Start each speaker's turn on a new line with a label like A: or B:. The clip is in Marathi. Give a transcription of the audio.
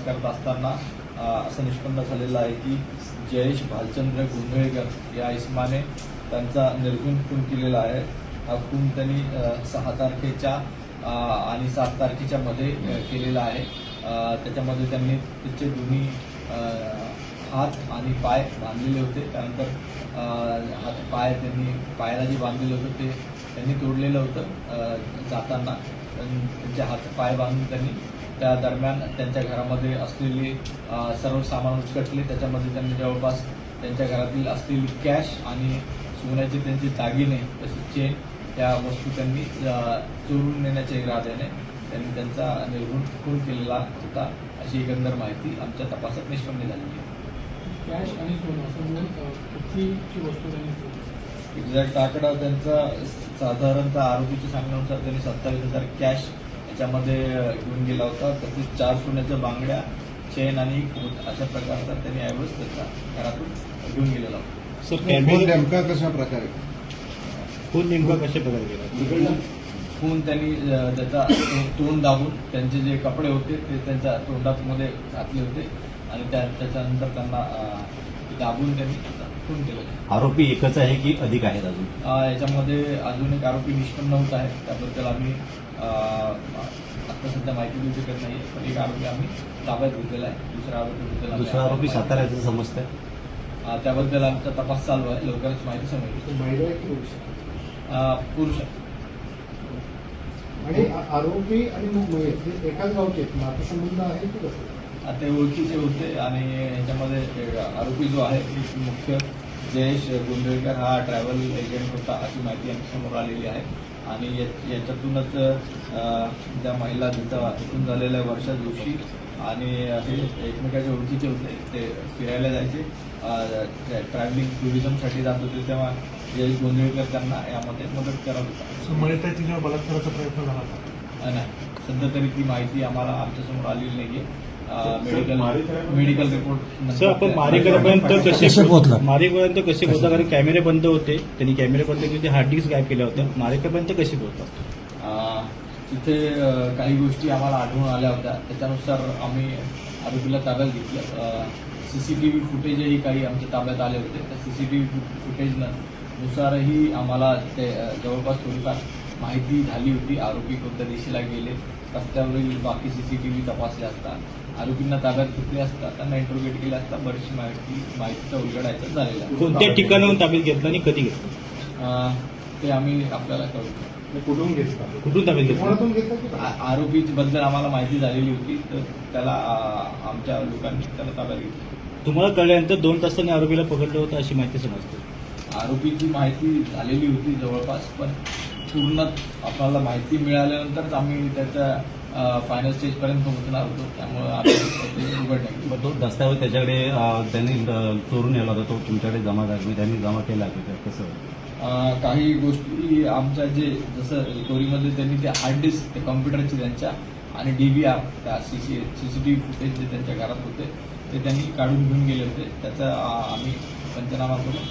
A: करत असताना असं निष्पन्न झालेलं आहे की जयेश भालचंद्र गोंधळेकर या इसमाने त्यांचा निर्गुण खून केलेला आहे. हा खून त्यांनी 6 तारखेच्या आणि 7 तारखेच्या मध्ये केलेला आहे. त्याच्यामध्ये त्यांनी त्याचे दोन्ही हात आणि पाय बांधलेले होते. त्यानंतर पायाला जे बांधलेलं होतं ते त्यांनी तोडलेलं होतं जाताना. त्यांचे हात पाय बांधून त्यांनी त्या दरम्यान त्यांच्या घरामध्ये असलेले सर्व सामान उचकटले. त्याच्यामध्ये त्यांनी जवळपास त्यांच्या घरातील असलेली कॅश आणि सोन्याचे त्यांचे दागिने तसेच चेन या वस्तू त्यांनी चोरून नेण्याच्या इराद्याने त्यांनी त्यांचा निर्गुण खून केलेला होता, अशी एकंदर माहिती आमच्या तपासात निष्पन्न झालेली आहे.
B: कॅश आणि सोनं असं म्हणून कितीची वस्तू त्यांनी
A: एक्झॅक्ट आकडा त्यांचा साधारणतः आरोपीच्या सांगण्यानुसार त्यांनी 27,000 कॅश याच्यामध्ये घेऊन गेला होता. तसेच 4 सोन्याच्या बांगड्या, चेन आणि कोट अशा प्रकारचा त्यांनी ऐवज त्याच्या घरातून घेऊन गेलेला होता.
C: नेमका कशा प्रकारे
D: खून नेमका कशा प्रकारे गेला?
A: खून त्यांनी त्याचा तोंड दाबून त्यांचे जे कपडे होते ते त्यांच्या तोंडामध्ये घातले होते आणि त्याच्यानंतर त्यांना दाबून त्यांनी खून केलं.
D: आरोपी एकच आहे की अधिक आहेत अजून?
A: याच्यामध्ये अजून एक आरोपी निष्पन्न होत आहे. त्याबद्दल आम्ही आता सध्या माहिती देऊ शकत नाही, पण एक आरोपी आम्ही ताब्यात घेतलेला आहे.
D: दुसरा आरोपी साताऱ्याचं समजतंय.
A: त्याबद्दल आमचा तपास चालू आहे. लवकरच माहिती समजेल. पुरुष
B: आणि आरोपी आणि मयत एकाच गावचे नातेसंबंध आहे की कसं?
A: ते ओळखीचे होते आणि ह्याच्यामध्ये आरोपी जो आहे मुख्य जयेश गोंधळेकर हा ट्रॅव्हल एजंट होता, अशी माहिती आमच्या समोर आलेली आहे. आणि याच्यातूनच ज्या महिला तिथं खून झालेल्या वर्षा जोशी आणि हे एकमेकाच्या ओळखीचे होते. ते फिरायला जायचे, ट्रॅव्हलिंग टुरिझमसाठी जात होते, तेव्हा जयेश गोंधळेकर त्यांना यामध्ये मदत करत होता.
B: मयताच्या बलात्काराचा प्रयत्न झाला होता?
A: नाही, सध्या तरी ती माहिती आम्हाला आमच्यासमोर आलेली नाहीये. मेडिकल रिपोर्ट
D: सर, आपण मारेकरपर्यंत कसे पोहोचला? कारण कॅमेरे बंद होते, त्यांनी कॅमेरे बंद केले, हार्ड डिस्क गायब केल्या होत्या. मारेकरपर्यंत कसे पोहोचला?
A: तिथे काही गोष्टी आम्हाला आढळून आल्या होत्या. त्याच्यानुसार आम्ही आरोपीला ताब्यात घेतलं. सीसीटीव्ही फुटेजही काही आमच्या ताब्यात आले होते. त्या सीसीटीव्ही फुटेजनुसारही आम्हाला ते जवळपास थोडीफार माहिती झाली होती. आरोपी कोणत्या दिशेला गेले, रस्त्यावरील बाकी सीसीटीव्ही तपासले असता, आरोपींना ताब्यात घेतले असता, त्यांना इंटरोगेट केले असता बरीचशी माहितीचा उलगडायचा झालेला.
D: कोणत्या ठिकाणाहून ताब्यात घेतलं आणि कधी घेतलं
A: ते आम्ही आपल्याला कळवतो.
D: कुठून ताब्यात घेतलं?
A: आरोपीबद्दल आम्हाला माहिती झालेली होती, तर त्याला आमच्या लोकांनी त्याला ताब्यात घेतलं.
D: तुम्हाला कळल्यानंतर 2 तासांनी आरोपीला पकडलं होतं अशी माहिती समजते.
A: आरोपीची माहिती झालेली होती जवळपास, पण पूर्ण आपल्याला माहिती मिळाल्यानंतरच आम्ही त्याच्या फायनल स्टेजपर्यंत पोहोचणार होतो. त्यामुळे आम्ही उघड नाही.
D: मग तो दस्तावेज त्याच्याकडे त्यांनी चोरून नेला होता, तो तुमच्याकडे जमा झाला, त्यांनी जमा केला होता, कसं?
A: काही गोष्टी आमच्या जसं रिकव्हरीमध्ये त्यांनी ते हार्ड डिस्क ते कॉम्प्युटरचे त्यांच्या आणि DVR त्या सीसीटीव्ही फुटेज जे त्यांच्या घरात होते ते त्यांनी काढून घेऊन गेले होते. त्याचा आम्ही पंचनामा करून